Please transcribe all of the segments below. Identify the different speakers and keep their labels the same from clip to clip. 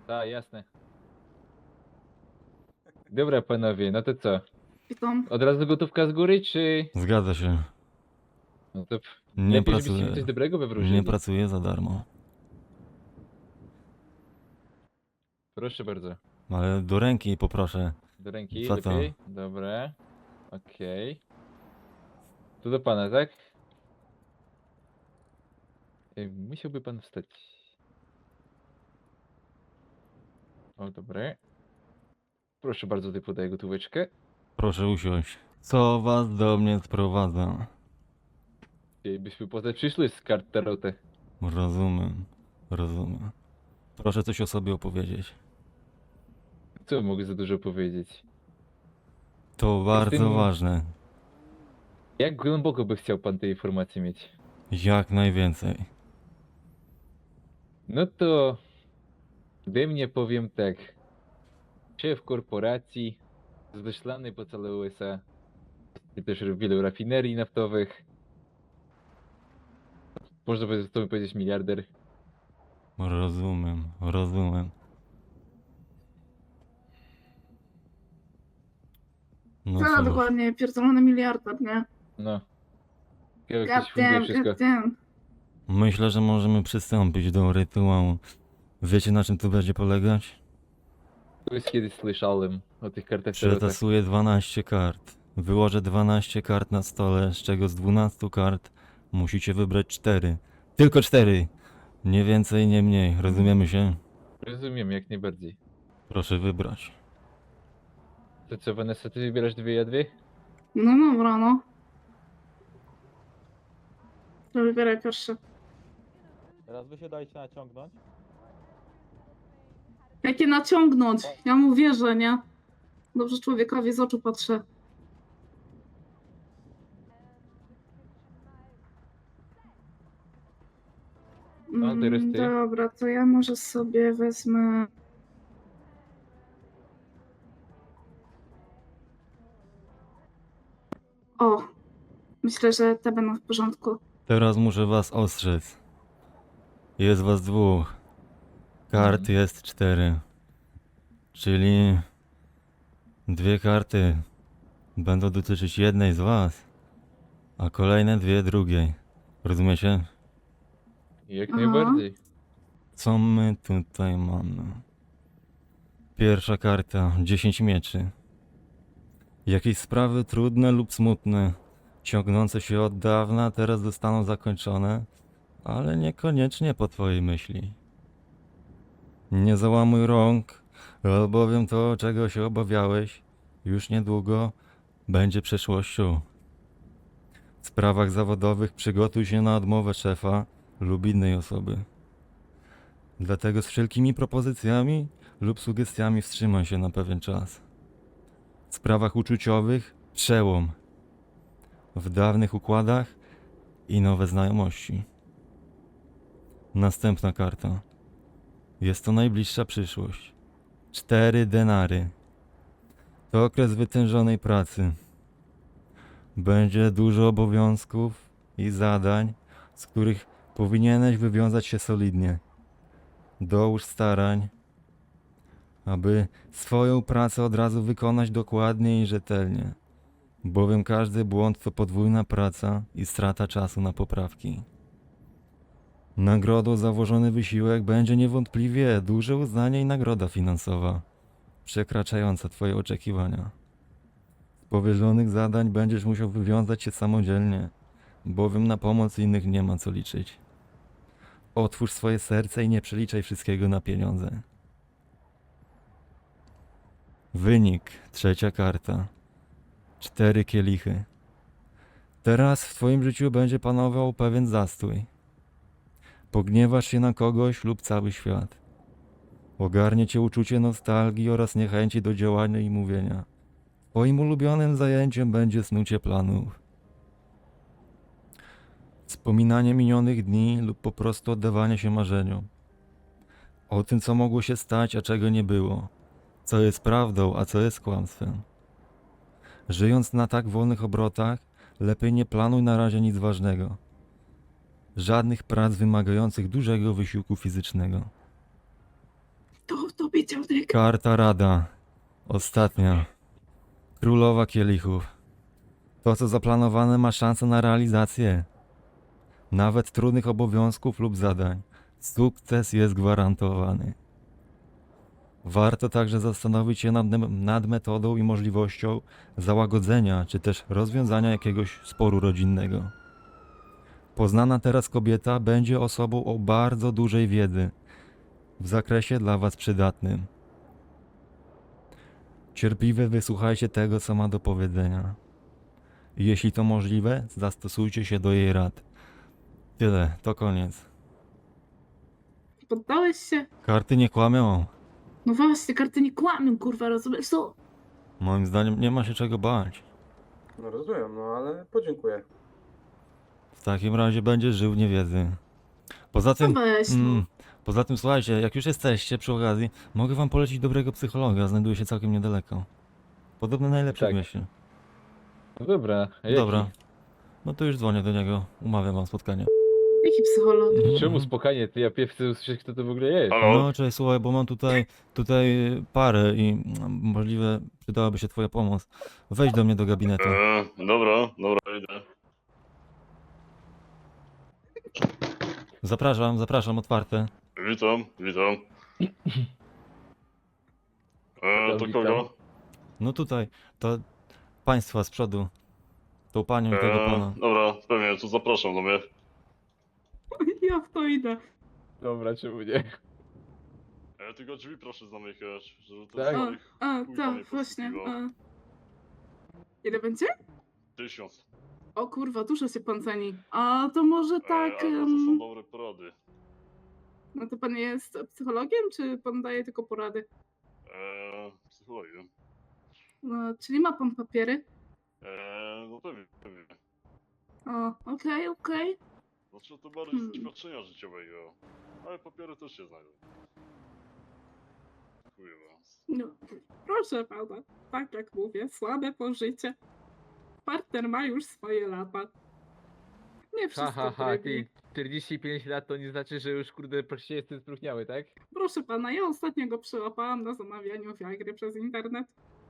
Speaker 1: Tak, jasne. Dobra, panowie, no to co?
Speaker 2: Witam.
Speaker 1: Od razu gotówka z góry, czy...
Speaker 3: Zgadza się.
Speaker 1: No to
Speaker 3: Nie
Speaker 1: lepiej, żebyście mi
Speaker 3: pracuję.
Speaker 1: coś dobrego
Speaker 3: Nie
Speaker 1: wywróżyli.
Speaker 3: pracuję za darmo.
Speaker 1: Proszę bardzo.
Speaker 3: Ale do ręki poproszę.
Speaker 1: Do ręki,
Speaker 3: Co to?
Speaker 1: lepiej? Dobra. Okej. Tu do pana, tak? Musiałby pan wstać. O, dobre. Proszę bardzo, tutaj podaję gotóweczkę.
Speaker 3: Proszę usiąść. Co was do mnie sprowadza?
Speaker 1: Byśmy potem przyszli z kart tarotę.
Speaker 3: Rozumiem. Rozumiem. Proszę coś o sobie opowiedzieć.
Speaker 1: Co mogę za dużo powiedzieć?
Speaker 3: To bardzo
Speaker 1: Jestem-
Speaker 3: ważne.
Speaker 1: Jak głęboko by chciał pan tej informacji mieć?
Speaker 3: Jak najwięcej.
Speaker 1: No to... Ode mnie powiem tak. Szef korporacji, wyślany po całe USA. I też wielu rafinerii naftowych. Można by to powiedzieć miliarder.
Speaker 3: Rozumiem. Rozumiem. No
Speaker 2: Co
Speaker 3: cóż.
Speaker 2: dokładnie? Pierdolony miliarder, nie?
Speaker 1: No. Jak ktoś funduje
Speaker 2: Goddamn,
Speaker 1: wszystko.
Speaker 2: goddamn.
Speaker 3: Myślę, że możemy przystąpić do rytuału. Wiecie, na czym to będzie polegać?
Speaker 1: Już kiedyś słyszałem o tych kartach tarota.
Speaker 3: Przetasuję 12 kart. Wyłożę 12 kart na stole, z czego z 12 kart musicie wybrać 4. Tylko 4! Nie więcej, nie mniej. Rozumiemy się?
Speaker 1: Rozumiem, jak najbardziej.
Speaker 3: Proszę wybrać.
Speaker 1: To co, Vanessa, ty wybierasz dwie, ja dwie?
Speaker 2: No dobra, no. To wybieraj pierwszy.
Speaker 4: Teraz wy się dajcie naciągnąć.
Speaker 2: Jakie naciągnąć? Ja mu wierzę, nie? Dobrze człowiekowi z oczu patrzę.
Speaker 1: No, teraz ty.
Speaker 2: Dobra, to ja może sobie wezmę... O, myślę, że te będą w porządku.
Speaker 3: Teraz muszę was ostrzec. Jest was dwóch. Kart jest 4. Czyli... 2 karty będą dotyczyć jednej z was, a kolejne 2 drugiej. Rozumiecie?
Speaker 1: Jak
Speaker 2: Aha.
Speaker 1: najbardziej.
Speaker 3: Co my tutaj mamy? Pierwsza karta, 10 mieczy. Jakieś sprawy trudne lub smutne, ciągnące się od dawna, teraz zostaną zakończone, ale niekoniecznie po twojej myśli. Nie załamuj rąk, albowiem to, czego się obawiałeś, już niedługo będzie przeszłością. W sprawach zawodowych przygotuj się na odmowę szefa lub innej osoby. Dlatego z wszelkimi propozycjami lub sugestiami wstrzymaj się na pewien czas. W sprawach uczuciowych przełom. W dawnych układach i nowe znajomości. Następna karta. Jest to najbliższa przyszłość. 4 denary. To okres wytężonej pracy. Będzie dużo obowiązków i zadań, z których powinieneś wywiązać się solidnie. Dołóż starań, aby swoją pracę od razu wykonać dokładnie i rzetelnie, bowiem każdy błąd to podwójna praca i strata czasu na poprawki. Nagrodą za włożony wysiłek będzie niewątpliwie duże uznanie i nagroda finansowa, przekraczająca twoje oczekiwania. Z powierzonych zadań będziesz musiał wywiązać się samodzielnie, bowiem na pomoc innych nie ma co liczyć. Otwórz swoje serce i nie przeliczaj wszystkiego na pieniądze. Wynik, trzecia karta. 4 kielichy. Teraz w twoim życiu będzie panował pewien zastój. Pogniewasz się na kogoś lub cały świat. Ogarnie cię uczucie nostalgii oraz niechęci do działania i mówienia. Twoim ulubionym zajęciem będzie snucie planów. Wspominanie minionych dni lub po prostu oddawanie się marzeniom. O tym, co mogło się stać, a czego nie było. Co jest prawdą, a co jest kłamstwem. Żyjąc na tak wolnych obrotach, lepiej nie planuj na razie nic ważnego. Żadnych prac wymagających dużego wysiłku fizycznego.
Speaker 2: To widział Dick.
Speaker 3: Karta rada. Ostatnia. Królowa kielichów. To, co zaplanowane, ma szansę na realizację. Nawet trudnych obowiązków lub zadań. Sukces jest gwarantowany. Warto także zastanowić się nad metodą i możliwością załagodzenia czy też rozwiązania jakiegoś sporu rodzinnego. Poznana teraz kobieta będzie osobą o bardzo dużej wiedzy w zakresie dla Was przydatnym. Cierpliwie wysłuchajcie tego, co ma do powiedzenia. I jeśli to możliwe, zastosujcie się do jej rad. Tyle, to koniec.
Speaker 2: Poddałeś się?
Speaker 3: Karty nie kłamią.
Speaker 2: No właśnie, karty nie kłamią, kurwa, rozumiesz co?
Speaker 3: Moim zdaniem nie ma się czego bać.
Speaker 5: No rozumiem, no ale podziękuję.
Speaker 3: W takim razie będziesz żył w niewiedzy. Poza tym,
Speaker 2: No weź, no.
Speaker 3: poza tym słuchajcie, jak już jesteście przy okazji, mogę wam polecić dobrego psychologa, znajduje się całkiem niedaleko. Podobno najlepszy
Speaker 1: Tak.
Speaker 3: w mieście.
Speaker 1: No dobra, a jaki?
Speaker 3: Dobra. No to już dzwonię do niego, umawiam wam spotkanie.
Speaker 2: Jaki psycholog?
Speaker 1: Czemu spokojnie? Ty ja pierwszy chcę usłyszeć, kto to w ogóle jest.
Speaker 3: No cześć, słuchaj, bo mam tutaj parę i możliwe przydałaby się twoja pomoc. Wejdź do mnie do gabinetu.
Speaker 6: Dobra, idę.
Speaker 3: Zapraszam, otwarte.
Speaker 6: Witam. To
Speaker 1: Witam.
Speaker 6: kogo?
Speaker 3: No tutaj, to państwa z przodu. Tą panią i tego pana.
Speaker 6: Dobra, pewnie, to zapraszam do mnie.
Speaker 2: Ja w to idę.
Speaker 1: Dobra, czemu nie?
Speaker 6: Tylko drzwi proszę zamykać, żeby to
Speaker 1: Tak.
Speaker 6: swoich chuj tam nie
Speaker 2: Tak, właśnie.
Speaker 6: posługiwał.
Speaker 2: Ile będzie?
Speaker 6: 1000.
Speaker 2: O kurwa, dużo się pan ceni. A to może tak...
Speaker 6: Ale to są dobre porady.
Speaker 2: No to pan jest psychologiem, czy pan daje tylko porady?
Speaker 6: Psychologię.
Speaker 2: No, czyli ma pan papiery?
Speaker 6: No pewnie.
Speaker 2: O, okej.
Speaker 6: Znaczy to bardziej z doświadczenia życiowego. Ale papiery też się znajdą. Dziękuję was.
Speaker 2: No, proszę pana, tak jak mówię, słabe pożycie. Partner ma już swoje lata. Nie wszystko
Speaker 1: Ty 45 lat to nie znaczy, że już kurde praktycznie jestem spróchniały, tak?
Speaker 2: Proszę pana, ja ostatnio go przyłapałam na zamawianiu Viagry przez internet.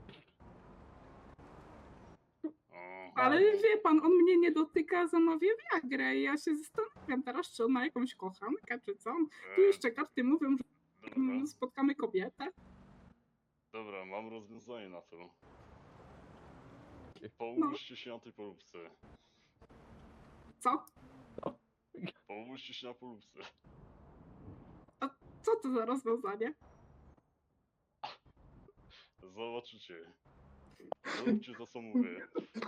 Speaker 2: Ale wie pan, on mnie nie dotyka, zamawia Viagrę i ja się zastanawiam teraz, czy on ma jakąś kochankę, czy co. Tu jeszcze karty mówią, że
Speaker 6: Dobra,
Speaker 2: spotkamy kobietę.
Speaker 6: dobra, mam rozwiązanie na to. Połóżcie się na tej polubce.
Speaker 2: Co?
Speaker 6: Połóżcie się na polubce.
Speaker 2: Co to za rozwiązanie?
Speaker 6: Zobaczycie. Róbcie to, co mówię.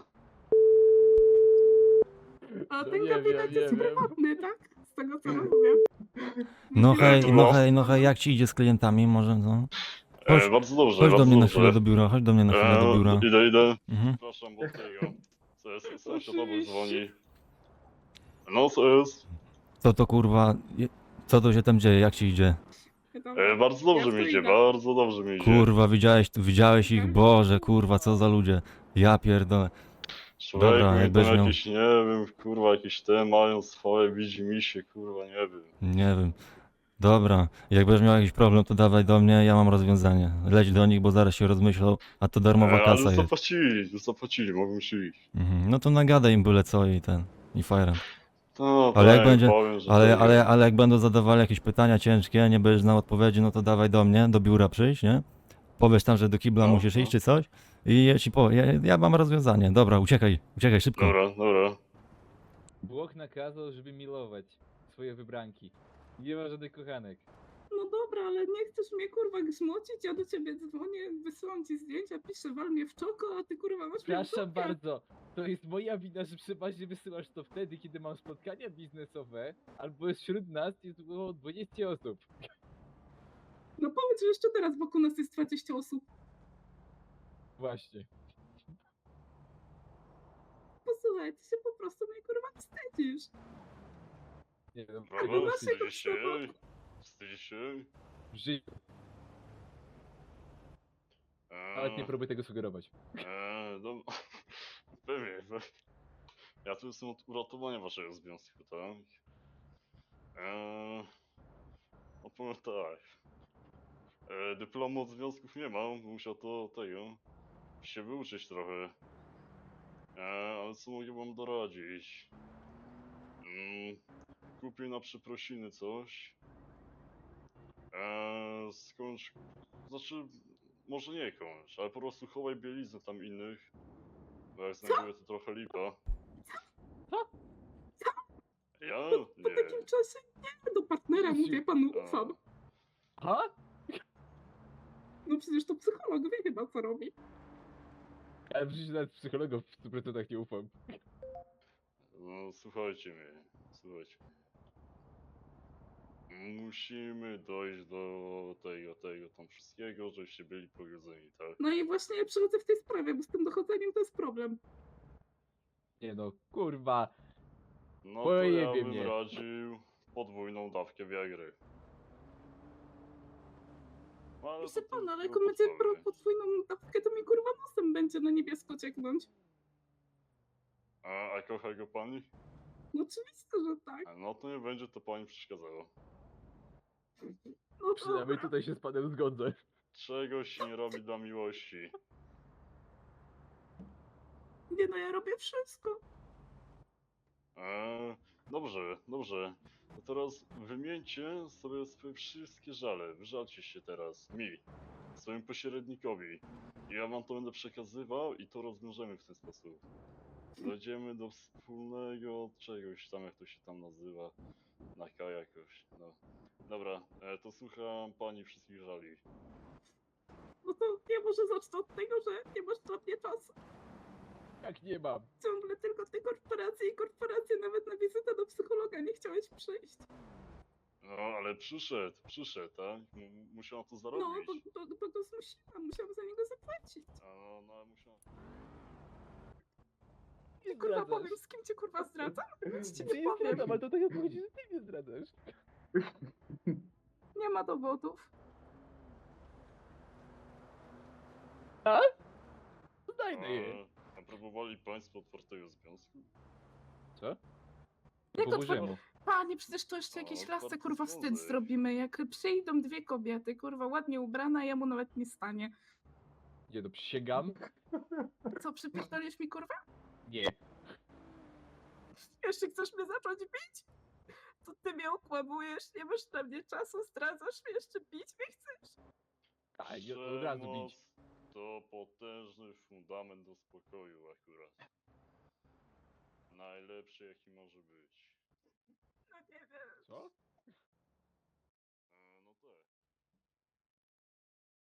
Speaker 2: A
Speaker 1: No
Speaker 2: ten
Speaker 1: nie
Speaker 2: gabinet
Speaker 1: wiem,
Speaker 2: jest
Speaker 1: nie wiem.
Speaker 2: prywatny, tak? Z tego co rozumiem.
Speaker 3: No hej, jak ci idzie z klientami, może no?
Speaker 6: Bardzo dobrze,
Speaker 3: Chodź do
Speaker 6: bardzo
Speaker 3: mnie na
Speaker 6: dobrze.
Speaker 3: chwilę do biura, chodź do mnie na chwilę do biura.
Speaker 6: Idę.
Speaker 3: Mhm.
Speaker 6: Przepraszam, bo tego. Co jest? Sąsiad obok dzwoni. No, co jest?
Speaker 3: Co to kurwa, co to się tam dzieje, jak ci idzie?
Speaker 6: Bardzo dobrze
Speaker 2: Ja
Speaker 6: mi
Speaker 2: tu
Speaker 6: idzie,
Speaker 2: idę.
Speaker 6: bardzo dobrze mi idzie.
Speaker 3: Kurwa, widziałeś ich, Boże, kurwa, co za ludzie. Ja pierdolę.
Speaker 6: Człowieku,
Speaker 3: Dobra,
Speaker 6: tam
Speaker 3: jakbyś miał-
Speaker 6: jakieś, nie wiem, kurwa, jakieś te mają swoje widzimisię, kurwa, nie wiem.
Speaker 3: Nie wiem. Dobra, jak będziesz miał jakiś problem, to dawaj do mnie, ja mam rozwiązanie. Leć do nich, bo zaraz się rozmyślą, a to darmowa
Speaker 6: Ale
Speaker 3: kasa jest.
Speaker 6: zapłacili, mogą się iść.
Speaker 3: Mhm. No to nagadaj im byle co i fajrem.
Speaker 6: No,
Speaker 3: Ale jak
Speaker 6: tak,
Speaker 3: będzie-
Speaker 6: powiem, że
Speaker 3: Ale,
Speaker 6: tego.
Speaker 3: ale jak będą zadawali jakieś pytania ciężkie, nie będziesz znał odpowiedzi, no to dawaj do mnie, do biura przyjść, nie? Powiesz tam, że do kibla
Speaker 6: No,
Speaker 3: musisz
Speaker 6: no.
Speaker 3: iść czy coś i ja ci ja mam rozwiązanie. Dobra, uciekaj szybko.
Speaker 6: Dobra.
Speaker 1: Bóg nakazał, żeby milować swoje wybranki. Nie ma żadnych kochanek.
Speaker 2: No dobra, ale nie chcesz mnie kurwa grzmocić, ja do ciebie dzwonię, wysyłam ci zdjęcia, piszę wal mnie w czoko, a ty kurwa masz mnie w
Speaker 1: Przepraszam
Speaker 2: dupie.
Speaker 1: bardzo, to jest moja wina, że przeważnie wysyłasz to wtedy, kiedy mam spotkania biznesowe, albo wśród nas jest około 20 osób.
Speaker 2: No powiedz, że jeszcze teraz wokół nas jest 20 osób.
Speaker 1: Właśnie.
Speaker 2: Posłuchaj, ty się po prostu mnie kurwa wstydzisz.
Speaker 1: Nie wiem,
Speaker 6: Prawda?
Speaker 2: naszego
Speaker 6: Wstydzisz się?
Speaker 2: przypadku.
Speaker 6: Wstydzisz się?
Speaker 1: w życiu. Nawet nie próbuj tego sugerować.
Speaker 6: No, pewnie. Ja tu jestem od uratowania waszego związku, tak? Opowiem tak. Dyplomu od związków nie mam, musiał to tego się wyuczyć trochę. Ale co mogę wam doradzić? Kupię na przeprosiny coś. Skończ... Znaczy, może nie kończ, ale po prostu chowaj bieliznę tam innych. Bo jak znajduję to trochę lipa. Ja?
Speaker 2: Po
Speaker 6: Nie.
Speaker 2: takim czasie nie, do partnera
Speaker 1: Jezu.
Speaker 2: mówię, panu ufam.
Speaker 1: Ha?
Speaker 2: No przecież to psycholog wie chyba co robi.
Speaker 1: Ale przecież nawet psychologom w 100% nie ufam.
Speaker 6: No, słuchajcie mnie. Słuchajcie mnie. Musimy dojść do tego tam wszystkiego, żebyście byli pogodzeni, tak?
Speaker 2: No i właśnie ja przychodzę w tej sprawie, bo z tym dochodzeniem to jest problem.
Speaker 1: Nie no, kurwa.
Speaker 6: No to ja
Speaker 1: Pojebie
Speaker 6: bym
Speaker 1: mnie.
Speaker 6: radził podwójną dawkę Viagry. No, ale
Speaker 2: Proszę
Speaker 6: to
Speaker 2: pana, ale jak
Speaker 6: tylko
Speaker 2: on będzie
Speaker 6: podstawy.
Speaker 2: brał podwójną dawkę, to mi kurwa nosem będzie na niebiesko cieknąć.
Speaker 6: A kocha go pani?
Speaker 2: No oczywiście, że tak.
Speaker 6: No to nie będzie to pani przeszkadzało.
Speaker 2: No
Speaker 1: Przynajmniej
Speaker 2: dobra.
Speaker 1: tutaj się z panem zgodzę.
Speaker 6: Czegoś się nie robi dla miłości.
Speaker 2: Nie no, ja robię wszystko.
Speaker 6: Dobrze, dobrze. To teraz wymieńcie sobie swoje wszystkie żale. Wyżalcie się teraz mi, swojemu pośrednikowi. I ja wam to będę przekazywał i to rozwiążemy w ten sposób. Dojdziemy do wspólnego czegoś tam, jak to się tam nazywa. Na K jakoś, no. Dobra, to słucham pani wszystkich żali.
Speaker 2: No to ja może zacznę od tego, że nie masz dla mnie czasu.
Speaker 1: Jak nie mam.
Speaker 2: Ciągle tylko te korporacje i korporacje, nawet na wizytę do psychologa nie chciałeś przyjść.
Speaker 6: No, ale przyszedł, tak? Musiał to
Speaker 2: No,
Speaker 6: zarobić.
Speaker 2: bo go zmusiłam, musiałam za niego zapłacić.
Speaker 6: No, musiał...
Speaker 2: I kurwa powiem, z kim cię kurwa zdradzam? Nic ci
Speaker 1: Ty
Speaker 2: nie
Speaker 1: nie
Speaker 2: powiem.
Speaker 1: zdradzam, ale to tak obchodzi, że ty mnie zdradzasz.
Speaker 2: Nie ma dowodów.
Speaker 1: Znajdę je.
Speaker 6: A próbowali państwo otwartego związku?
Speaker 1: Co?
Speaker 2: Jak
Speaker 1: Po Bożemu.
Speaker 2: Panie, przecież to jeszcze
Speaker 6: O,
Speaker 2: jakieś
Speaker 6: otwarty
Speaker 2: lasce kurwa wstyd
Speaker 6: związek.
Speaker 2: zrobimy, jak przyjdą dwie kobiety, kurwa ładnie ubrane, a jemu nawet nie stanie.
Speaker 1: Nie no, przysięgam.
Speaker 2: Co, przypierdolisz mi kurwa?
Speaker 1: Nie.
Speaker 2: Jeszcze chcesz mnie zacząć bić? To ty mnie okłamujesz, nie masz na mnie czasu, zdradzasz mnie, jeszcze bić mnie chcesz?
Speaker 1: Tak, nie, od razu bić.
Speaker 6: Przemoc to potężny fundament do spokoju akurat. Najlepszy jaki może być.
Speaker 2: No nie wiem.
Speaker 1: Co?